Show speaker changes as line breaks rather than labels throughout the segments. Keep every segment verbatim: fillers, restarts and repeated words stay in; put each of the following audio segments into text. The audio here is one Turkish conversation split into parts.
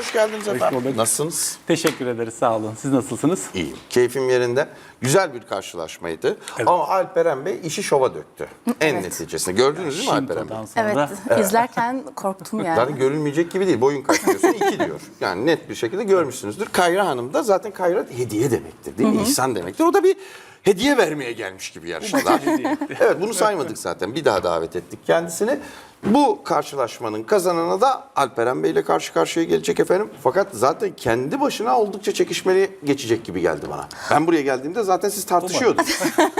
hoş geldiniz
Hoş
efendim.
bulduk.
Nasılsınız?
Teşekkür ederiz, sağ olun. Siz nasılsınız?
İyiyim. Keyfim yerinde. Güzel bir karşılaşmaydı.
Evet.
Ama Alperen Bey işi şova döktü. En
Evet.
neticesinde. Gördünüz değil mi Alperen Bey?
Shinto'dan sonra
Evet, izlerken korktum yani.
Zaten görülmeyecek gibi değil. Boyun kaç diyorsun? İki diyor. Yani net bir şekilde görmüşsünüzdür. Kayra Hanım da zaten Kayra hediye demektir değil mi? İhsan demektir. O da bir hediye vermeye gelmiş gibi yarışmalar. Evet, bunu saymadık zaten. Bir daha davet ettik kendisini. Bu karşılaşmanın kazananı da Alperen Bey ile karşı karşıya gelecek efendim. Fakat zaten kendi başına oldukça çekişmeli geçecek gibi geldi bana. Ben buraya geldiğimde zaten siz tartışıyordunuz.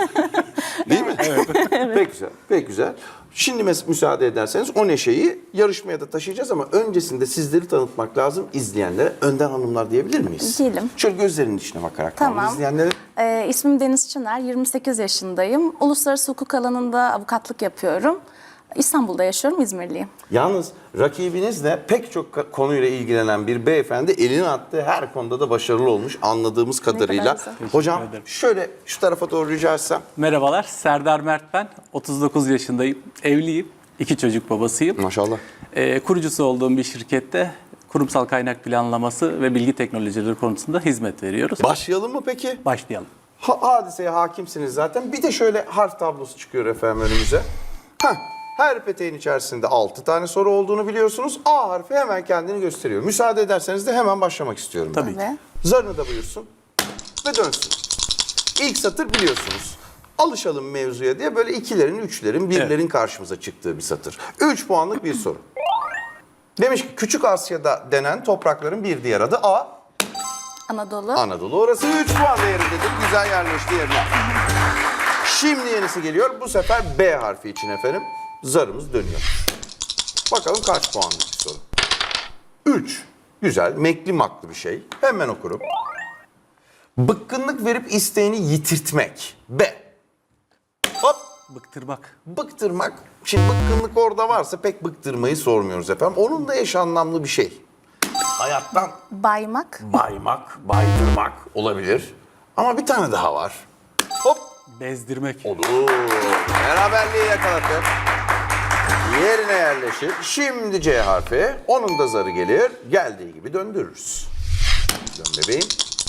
Değil mi? Evet. Pek güzel, pek güzel. Şimdi mes- müsaade ederseniz o neşeyi yarışmaya da taşıyacağız ama öncesinde sizleri tanıtmak lazım izleyenlere. Önden hanımlar diyebilir miyiz?
Diyelim.
Şöyle gözlerinin içine bakarak
Tamam.
izleyenlere.
Ee, ismim Deniz Çınar, yirmi sekiz yaşındayım. Uluslararası hukuk alanında avukatlık yapıyorum. İstanbul'da yaşıyorum, İzmirliyim.
Yalnız rakibinizle pek çok ka- konuyla ilgilenen bir beyefendi elini attığı her konuda da başarılı olmuş anladığımız kadarıyla.
güzel.
Hocam
ederim.
şöyle şu tarafa doğru rica etsem.
Merhabalar, Serdar Mert ben. otuz dokuz yaşındayım, evliyim, iki çocuk babasıyım.
Maşallah.
Ee, kurucusu olduğum bir şirkette kurumsal kaynak planlaması ve bilgi teknolojileri konusunda hizmet veriyoruz.
Başlayalım mı peki?
Başlayalım.
Ha, hadiseye hakimsiniz zaten. Bir de şöyle harf tablosu çıkıyor efendim önümüze. Heh, her peteğin içerisinde altı tane soru olduğunu biliyorsunuz. A harfi hemen kendini gösteriyor. Müsaade ederseniz de hemen başlamak istiyorum ben.
Tabii ki.
Ve
Zarını da buyursun ve dönsün. İlk satır biliyorsunuz. Alışalım mevzuya diye böyle ikilerin, üçlerin, birlerin
Evet.
karşımıza çıktığı bir satır. Üç puanlık bir soru. Demiş ki Küçük Asya'da denen toprakların bir diğer adı A.
Anadolu.
Anadolu. Orası üç puan değerindedir. Güzel yerleşti yerine. Şimdi yenisi geliyor. Bu sefer B harfi için efendim. Zarımız dönüyor. Bakalım kaç puanlık bir soru. üç. Güzel. Mekli maklı bir şey. Hemen okurum. Bıkkınlık verip isteğini yitirtmek. B. Hop.
Bıktırmak.
Bıktırmak. Şimdi bıkkınlık orada varsa pek bıktırmayı sormuyoruz efendim. Onun da eş anlamlı bir şey. Hayattan
Baymak.
baymak, baydırmak olabilir. Ama bir tane daha var. Hop.
Bezdirmek.
Olur. Beraberliği yakaladık. Yerine yerleşir. Şimdi C harfi. Onun da zarı gelir. Geldiği gibi döndürürüz. Dön bebeğim.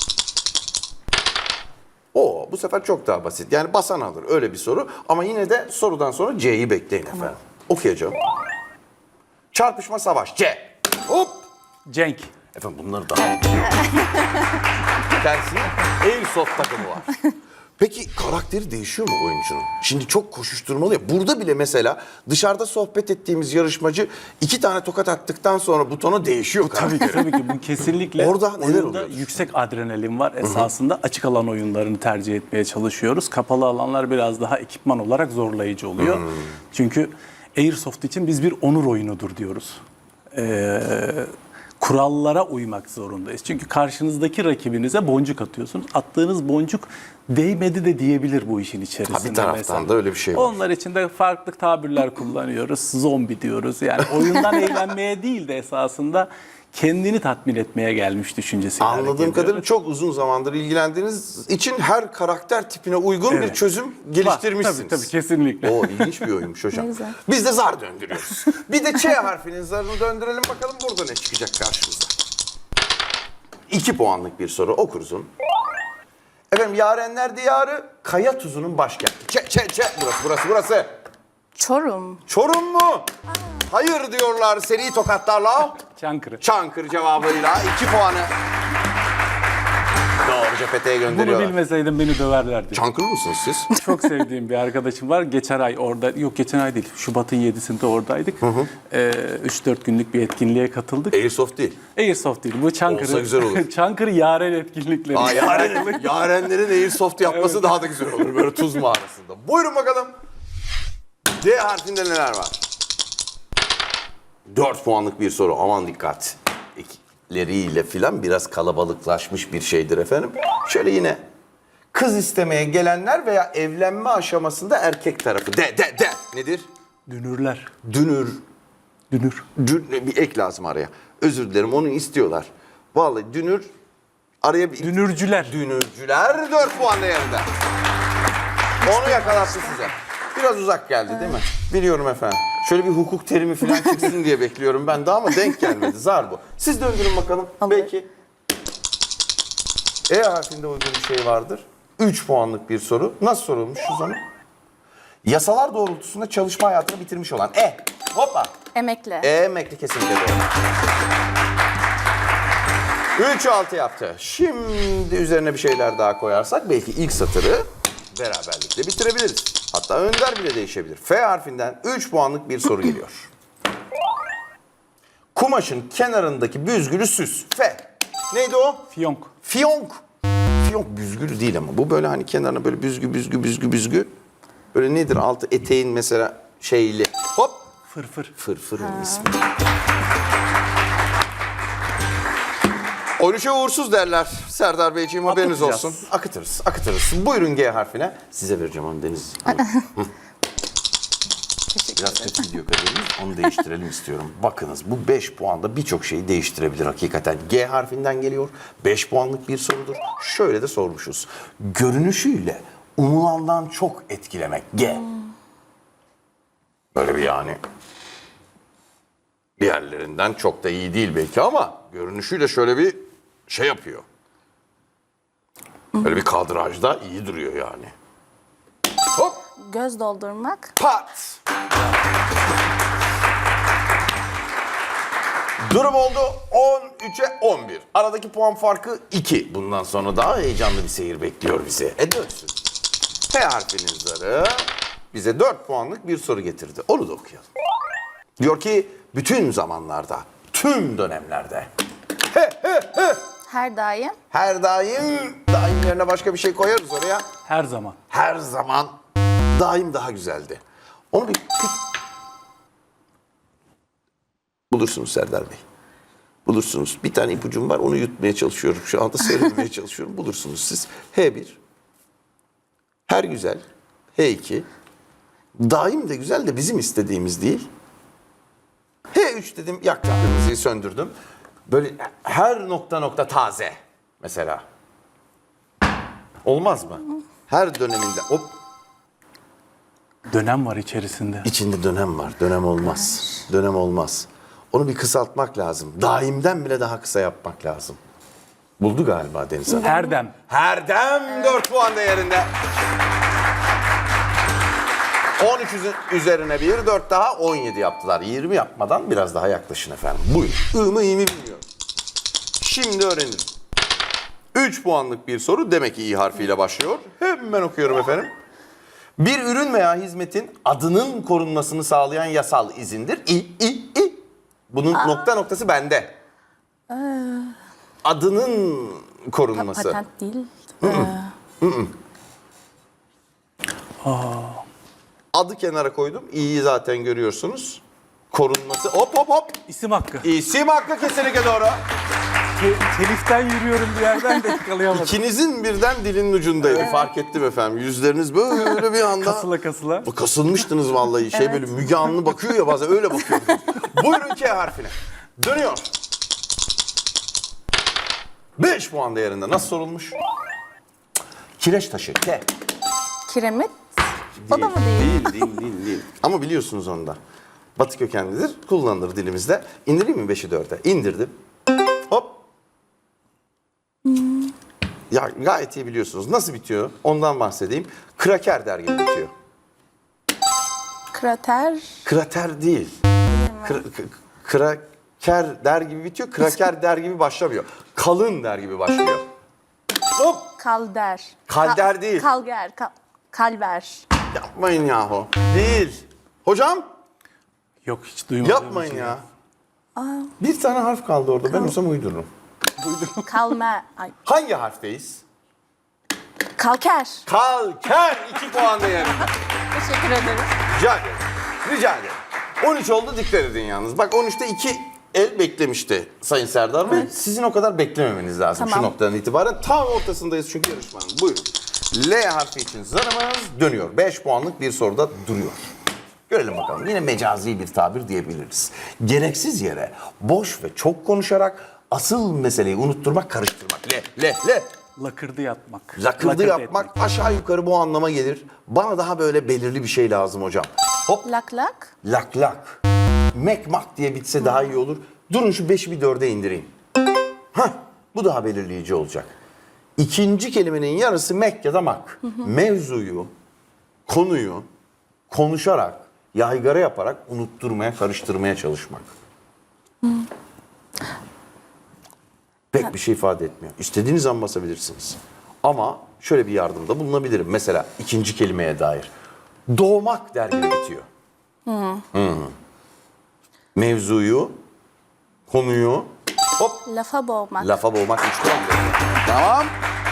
Oo, bu sefer çok daha basit. Yani basan alır öyle bir soru. Ama yine de sorudan sonra C'yi bekleyin efendim. Okuyacağım. Çarpışma savaş. C. Hop.
Cenk.
Efendim bunları daha... Tersine Airsoft takımı var. Peki karakteri değişiyor mu oyuncunun? Şimdi çok koşuşturmalı ya. Burada bile mesela dışarıda sohbet ettiğimiz yarışmacı iki tane tokat attıktan sonra butona değişiyor
Tabii ki,
karakteri.
tabii ki bu kesinlikle
Orada neler
oyunda
oluyor?
yüksek adrenalin var. Esasında açık alan oyunlarını tercih etmeye çalışıyoruz. Kapalı alanlar biraz daha ekipman olarak zorlayıcı oluyor. Çünkü Airsoft için biz bir onur oyunudur diyoruz. Ee, kurallara uymak zorundayız. Çünkü karşınızdaki rakibinize boncuk atıyorsunuz. Attığınız boncuk değmedi de diyebilir bu işin içerisinde.
Ha, bir taraftan
mesela.
da öyle bir şey var.
Onlar için de farklı tabirler kullanıyoruz. Zombi diyoruz. Yani oyundan eğlenmeye değil de esasında kendini tatmin etmeye gelmiş düşüncesiyle hareket
Anladığım
ediyoruz.
kadarıyla çok uzun zamandır ilgilendiğiniz için her karakter tipine uygun
Evet.
bir çözüm
Var,
geliştirmişsiniz.
Tabii tabii kesinlikle.
O ilginç bir oyunmuş hocam.
Ne güzel.
Biz de zar döndürüyoruz. Bir de Ç harfinin zarını döndürelim bakalım burada ne çıkacak karşımıza. İki puanlık bir soru okuruzun. Efendim Yarenler Diyarı Kaya Tuzu'nun başkenti. Ç, Ç, Ç. Burası, burası, burası.
Çorum.
Çorum mu? Hayır diyorlar seri tokatlarla.
Çankırı.
Çankırı cevabıyla iki puanı. Doğruca peteğe
Bunu
gönderiyorlar.
bilmeseydim beni döverlerdi.
Çankırı mısınız siz?
Çok sevdiğim bir arkadaşım var. Geçen ay orada, yok geçen ay değil, Şubat'ın yedisinde oradaydık. üç dört günlük bir etkinliğe katıldık.
Airsoft değil.
Airsoft değil, bu Çankırı.
Olsa güzel olur.
Çankırı Yaren etkinlikleri.
Aa, yaren, yarenlerin Airsoft yapması daha da güzel olur böyle tuz mağarasında. Buyurun bakalım. D harfinde neler var? Dört puanlık bir soru. Aman dikkat. Ekleriyle filan biraz kalabalıklaşmış bir şeydir efendim. Şöyle yine kız istemeye gelenler veya evlenme aşamasında erkek tarafı. De, de, de. Nedir?
Dünürler.
Dünür.
Dünür.
Dün, bir ek lazım araya. Özür dilerim onu istiyorlar. Vallahi dünür araya bir...
Dünürcüler.
Dünürcüler dört puan değerinde. Onu yakalattı size. Biraz uzak geldi değil mi? Biliyorum efendim. Şöyle bir hukuk terimi falan çıksın diye bekliyorum ben de ama denk gelmedi. Zar bu. Siz döndürün bakalım.
Olur.
Belki E harfinde uygun bir şey vardır. üç puanlık bir soru. Nasıl sorulmuşuz onu? Yasalar doğrultusunda çalışma hayatını bitirmiş olan E. Hoppa.
Emekli.
E emekli kesinlikle doğru. üç altı yaptı. Şimdi üzerine bir şeyler daha koyarsak belki ilk satırı beraberlikle bitirebiliriz. Hatta önder bile değişebilir. F harfinden üç puanlık bir soru geliyor. Kumaşın kenarındaki büzgülü süs. F. Neydi o?
Fiyonk.
Fiyonk. Fiyonk büzgülü değil ama. Bu böyle hani kenarına böyle büzgü büzgü büzgü büzgü. Böyle nedir altı eteğin mesela şeyli. Hop.
Fırfır.
Fırfırın ismi. on üçe uğursuz derler Serdar Beyciğim, haberiniz
Akıtacağız.
olsun. Akıtırız, akıtırız. Buyurun G harfine. Size vereceğim onu Deniz. Hı. Biraz kötü gidiyor kaderimiz. Onu değiştirelim istiyorum. Bakınız bu beş puanda birçok şeyi değiştirebilir hakikaten. G harfinden geliyor. beş puanlık bir sorudur. Şöyle de sormuşuz. Görünüşüyle umulandan çok etkilemek. G. Böyle bir yani. Diğerlerinden çok da iyi değil belki ama görünüşüyle şöyle bir şey yapıyor. Böyle bir kadrajda iyi duruyor yani. Hop!
Göz doldurmak.
Pat! Durum oldu on üçe on bir. Aradaki puan farkı iki. Bundan sonra daha heyecanlı bir seyir bekliyor bizi. E dönsün. P harfinin zarı bize dört puanlık bir soru getirdi. Onu da okuyalım. Diyor ki bütün zamanlarda, tüm dönemlerde,
Her daim.
her daim, daim yerine başka bir şey koyarız oraya.
Her zaman.
Her zaman daim daha güzeldi. Onu bir, bir... bulursunuz Serdar Bey. Bulursunuz. Bir tane ipucum var, onu yutmaya çalışıyorum. Şu anda seyretmeye çalışıyorum. Bulursunuz siz. H bir. Her güzel. H iki. Daim de güzel de bizim istediğimiz değil. H üç dedim, yaktım kırmızıyı, söndürdüm. Böyle her nokta nokta taze mesela. Olmaz mı? Her döneminde hop
Dönem var içerisinde.
içinde dönem var. Dönem olmaz. Dönem olmaz. Onu bir kısaltmak lazım. Daimden bile daha kısa yapmak lazım. Buldu galiba Deniz Hanım.
Her dem.
Her dem dört puan değerinde. on üç üzerine bir, dört daha on yedi yaptılar. yirmi yapmadan biraz daha yaklaşın efendim. Buyurun. I mı iyi mi bilmiyorum. Şimdi öğrenelim. üç puanlık bir soru demek ki İ harfiyle başlıyor. Hemen okuyorum efendim. Bir ürün veya hizmetin adının korunmasını sağlayan yasal izindir. İ, I, I. Bunun Aa. nokta noktası bende. Ee. Adının korunması.
Patent değil.
Hı -hı. Hı -hı. Adı kenara koydum. İ'yi zaten görüyorsunuz. Korunması. Hop hop hop.
İsim hakkı.
İsim hakkı kesinlikle doğru.
Te teliften yürüyorum bir yerden de yakalayamadım.
İkinizin birden dilinin ucundaydı. Evet. Fark ettim efendim. Yüzleriniz böyle bir anda.
Kasıla kasıla.
Kasılmıştınız vallahi. Şey evet. Böyle Müge Anlı bakıyor ya bazen, öyle bakıyordunuz. Buyurun K harfine. Dönüyor. beş puan değerinde. Nasıl sorulmuş? Kireç taşı. K.
Kiremit.
Değil,
o da mı değil?
Değil, değil, değil, değil. Ama biliyorsunuz onu da. Batı kökenlidir, kullanılır dilimizde. İndireyim mi beşi dörde? İndirdim. Hop. Hmm. Ya gayet iyi biliyorsunuz. Nasıl bitiyor? Ondan bahsedeyim. Kraker der gibi bitiyor.
Krater.
Krater değil. Kra kraker der gibi bitiyor. Kraker der gibi başlamıyor. Kalın der gibi başlıyor. Hop.
Kalder.
Kalder
Ka
değil.
Kalger. Kal kalber.
Yapmayın yahu. Değil. Hocam?
Yok hiç duymadım.
Yapmayın
şey.
ya. Aa. Bir tane harf kaldı orada. Kal ben olsam uydururum.
Kalme. Ay.
Hangi harfteyiz?
Kalker.
Kalker. iki puan değerinde.
Teşekkür ederim.
Rica ederim. Rica ederim. on üç oldu, dikkat edin yalnız. Bak on üçte iki el beklemişti Sayın Serdar Bey. Evet. Sizin o kadar beklememeniz lazım tamam. Şu noktadan itibaren. Tam ortasındayız çünkü yarışmanın. Buyurun. L harfi için zarımız dönüyor. beş puanlık bir soruda duruyor. Görelim bakalım. Yine mecazi bir tabir diyebiliriz. Gereksiz yere boş ve çok konuşarak asıl meseleyi unutturmak, karıştırmak. L, L, L.
Lakırdı yapmak.
Lakırdı
Lakırdı
yapmak
etmek.
Aşağı yukarı bu anlama gelir. Bana daha böyle belirli bir şey lazım hocam. Hop.
Lak lak.
Lak lak. Mek mak diye bitse daha iyi olur. Durun şu beşi bir dörde indireyim. Hah, bu daha belirleyici olacak. İkinci kelimenin yarısı mek ya da mak. Mevzuyu, konuyu konuşarak, yaygara yaparak unutturmaya, karıştırmaya çalışmak. Pek bir şey ifade etmiyor. İstediğiniz an basabilirsiniz. Ama şöyle bir yardımda bulunabilirim. Mesela ikinci kelimeye dair. Doğmak der gibi bitiyor. Hı. Mevzuyu, konuyu, hop,
Lafa boğmak.
lafa boğmak üç puan veriyor. Tamam.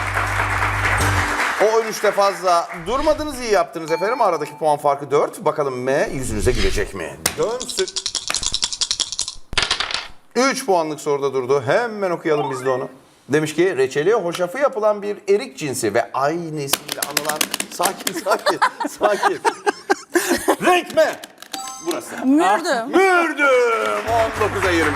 O üç fazla durmadınız, iyi yaptınız efendim. Aradaki puan farkı dört. Bakalım M yüzünüze gülecek mi? Dönsün. üç puanlık soruda durdu. Hemen okuyalım biz de onu. Demiş ki reçeli hoşafı yapılan bir erik cinsi ve aynı isimle anılan sakin sakin sakin. Renk mi? Burası.
Mürdüm.
Mürdüm. on dokuza yirmi.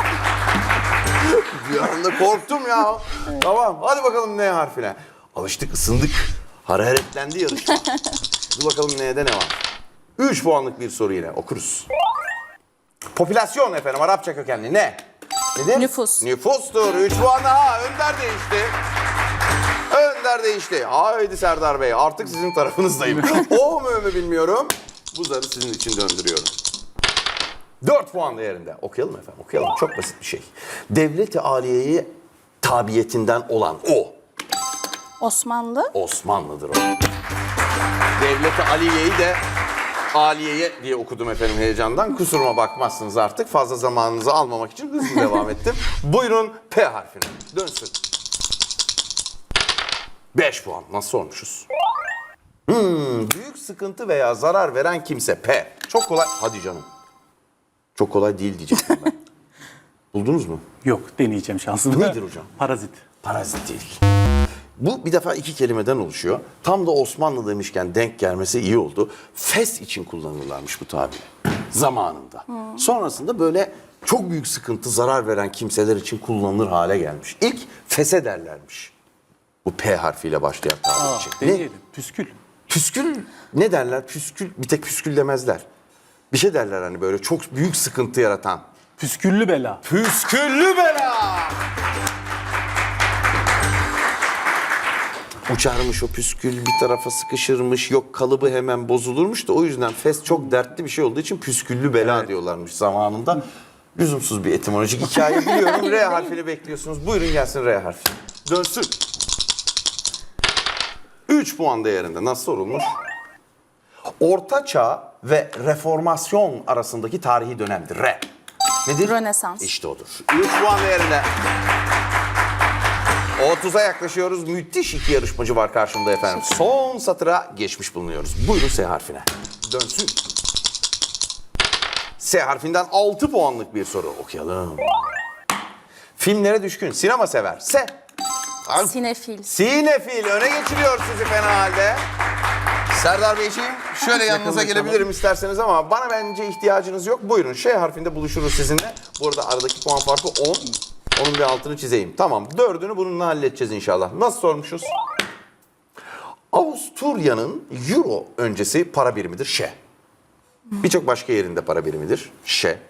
Bir anda korktum ya. Tamam hadi bakalım N harfine. Alıştık, ısındık. Hararetlendi yarışma. Dur bakalım N'de ne var? üç puanlık bir soru yine okuruz. Popülasyon efendim, Arapça kökenli ne? Nedir?
Nüfus.
Nüfustur. üç puan daha. Önder değişti. Önder değişti. Haydi Serdar Bey, artık sizin tarafınızdayım. O mu mü bilmiyorum. Bu zarı sizin için döndürüyorum. dört puan değerinde. Okuyalım efendim, okuyalım. Çok basit bir şey. Devlet-i Aliye'ye tabiyetinden olan o.
Osmanlı.
Osmanlı'dır o. Devlet-i Aliye'yi de Aliye'ye diye okudum efendim heyecandan. Kusuruma bakmazsınız artık. Fazla zamanınızı almamak için hızlı devam ettim. Buyurun P harfine. Dönsün. beş puan. Nasıl sormuşuz? Hmm, büyük sıkıntı veya zarar veren kimse P. Çok kolay. Hadi canım. Çok kolay değil diyecektim ben. Buldunuz mu?
Yok, deneyeceğim şansımı.
Nedir hocam?
Parazit.
Parazit değil. Bu bir defa iki kelimeden oluşuyor. Tam da Osmanlı demişken denk gelmesi iyi oldu. Fes için kullanırlarmış bu tabiri zamanında. Sonrasında böyle çok büyük sıkıntı, zarar veren kimseler için kullanılır hale gelmiş. İlk fese derlermiş. Bu P harfiyle başlayan tabir
Aa,
için. Ne?
deneyelim. Püskül.
Püskül ne derler? Püskül, bir tek püskül demezler. Bir şey derler hani böyle çok büyük sıkıntı yaratan.
Püsküllü bela.
Püsküllü bela! Uçarmış o püskül, bir tarafa sıkışırmış, yok kalıbı hemen bozulurmuş da o yüzden fes çok dertli bir şey olduğu için püsküllü bela
Evet.
diyorlarmış zamanında. Lüzumsuz bir etimolojik hikaye biliyorum. R harfini bekliyorsunuz. Buyurun gelsin R harfi. Dönsün. üç puan değerinde. Nasıl sorulmuş? Orta Çağ ve Reformasyon arasındaki tarihi dönemdir. R. Nedir?
Rönesans.
İşte odur. üç puan değerinde. otuza yaklaşıyoruz. Müthiş iki yarışmacı var karşımda efendim. Son satıra geçmiş bulunuyoruz. Buyurun S harfine. Dönsün. S harfinden altı puanlık bir soru okuyalım. Filmlere düşkün, sinema sever. S.
Sinefil.
Sinefil öne geçiriyor sizi fena halde. Serdar Beyciğim şöyle yanınıza gelebilirim isterseniz ama bana bence ihtiyacınız yok. Buyurun Ş harfinde buluşuruz sizinle. Bu arada aradaki puan farkı on. Onun bir altını çizeyim. Tamam, dördünü bununla halledeceğiz inşallah. Nasıl sormuşuz? Avusturya'nın euro öncesi para birimidir Ş. Birçok başka yerinde para birimidir Ş.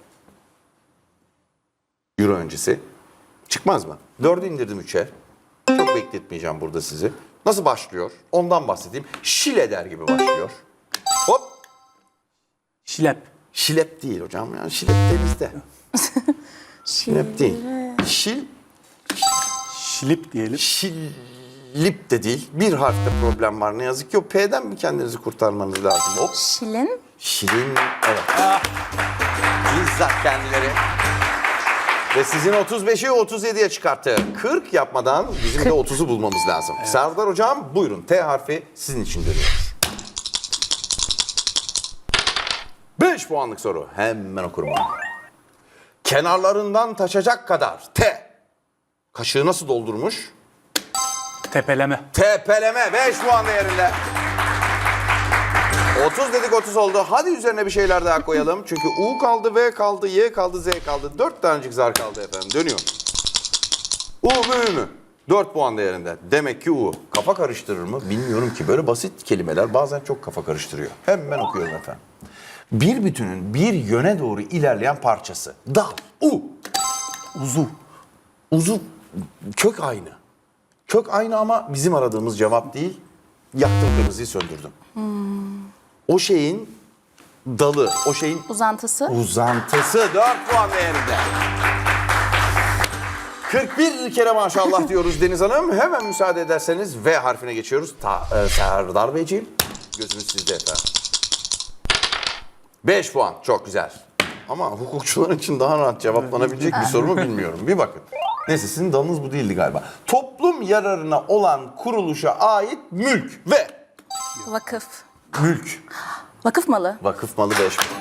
Euro öncesi. Çıkmaz mı? Dördü indirdim üçe. Çok bekletmeyeceğim burada sizi. Nasıl başlıyor? Ondan bahsedeyim. Şile der gibi başlıyor. Hop.
Şilep.
Şilep değil hocam ya. Şilep denizde. Şilep değil. Şil,
Şilip diyelim.
şilip de değil. Bir harfte problem var ne yazık ki. O P'den mi kendinizi kurtarmanız lazım? Hop.
Şilin.
Şirin, evet. Bizzat kendileri. Ve sizin otuz beşi otuz yediye çıkarttı. kırk yapmadan bizim de otuzu bulmamız lazım. Evet. Serdar hocam buyurun. T harfi sizin için dönüyor. beş puanlık soru. Hemen okurum onu. Kenarlarından taşacak kadar T. Kaşığı nasıl doldurmuş?
Tepeleme.
Tepeleme. beş puan değerinde. otuz dedik otuz oldu. Hadi üzerine bir şeyler daha koyalım. Çünkü U kaldı, V kaldı, Y kaldı, Z kaldı. dört tanecik zar kaldı efendim. Dönüyor. U mu mü? dört puan değerinde. Demek ki U. Kafa karıştırır mı? Bilmiyorum ki. Böyle basit kelimeler bazen çok kafa karıştırıyor. Hemen okuyorum efendim. Bir bütünün bir yöne doğru ilerleyen parçası. Dal, u,
Uzu.
uzu, kök aynı. Kök aynı ama bizim aradığımız cevap değil. Yaktım, kırmızıyı söndürdüm. O şeyin dalı, o şeyin
Uzantısı.
uzantısı dört puan değerinde. kırk bir kere maşallah diyoruz Deniz Hanım. Hemen müsaade ederseniz V harfine geçiyoruz. Ta, e, Serdar Beyciğim, gözünüz sizde efendim. beş puan, çok güzel. Ama hukukçular için daha rahat cevaplanabilecek bir soru mu bilmiyorum. Bir bakın. Neyse, sizin dalınız bu değildi galiba. Toplum yararına olan kuruluşa ait mülk ve
Vakıf.
mülk.
Vakıf malı.
Vakıf malı beş puan.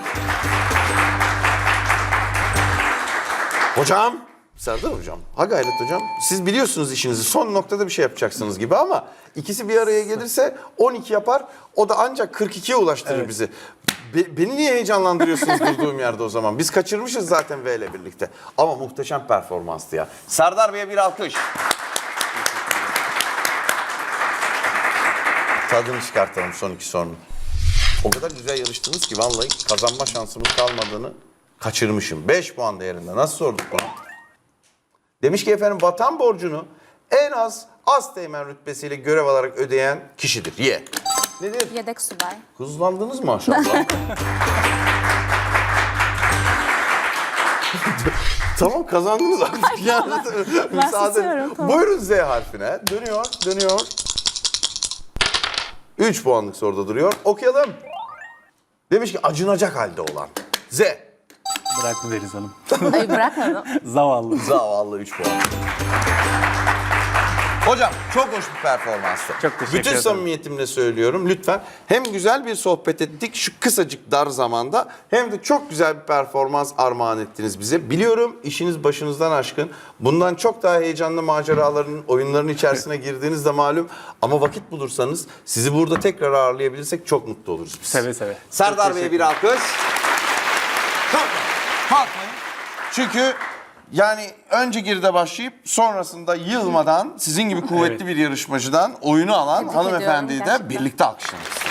Hocam, Serdar hocam, ha gayret hocam. Siz biliyorsunuz işinizi, son noktada bir şey yapacaksınız gibi ama ikisi bir araya gelirse on iki yapar. O da ancak kırk ikiye ulaştırır
Evet.
bizi. Be- beni niye heyecanlandırıyorsunuz durduğum yerde o zaman? Biz kaçırmışız zaten V ile birlikte. Ama muhteşem performanstı ya. Serdar Bey'e bir alkış. Tadını çıkartalım son iki sorunun. O kadar güzel yarıştınız ki vallahi kazanma şansımız kalmadığını kaçırmışım. beş puan değerinde. Nasıl sorduk bunu? Demiş ki efendim, vatan borcunu en az asteğmen rütbesiyle görev alarak ödeyen kişidir. Y. Nedir?
Yedek subay.
Hızlandınız maşallah. Tamam, kazandınız artık. Yani, müsaade.
susuyorum, tamam.
Buyurun Z harfine. Dönüyor, dönüyor. üç puanlık soruda duruyor. Okuyalım. Demiş ki acınacak halde olan. Z.
Bıraktı Deniz Hanım.
Ay bırakmadım.
Zavallı.
Zavallı üç puan. Hocam çok hoş bir performanstı.
Çok teşekkür
Bütün
ederim.
samimiyetimle söylüyorum, lütfen hem güzel bir sohbet ettik şu kısacık dar zamanda, hem de çok güzel bir performans armağan ettiniz bize. Biliyorum işiniz başınızdan aşkın. Bundan çok daha heyecanlı maceraların, oyunların içerisine girdiğiniz de malum. Ama vakit bulursanız sizi burada tekrar ağırlayabilirsek çok mutlu oluruz biz.
Seve seve.
Serdar
Çok
Bey'e
teşekkür
bir alkış. Kalkmayın. Kalkmayın. Çünkü yani önce geride başlayıp sonrasında yılmadan sizin gibi kuvvetli
Evet.
bir yarışmacıdan oyunu alan
Tebrik
hanımefendiyi
ediyorum
de
gerçekten.
birlikte alkışlarız.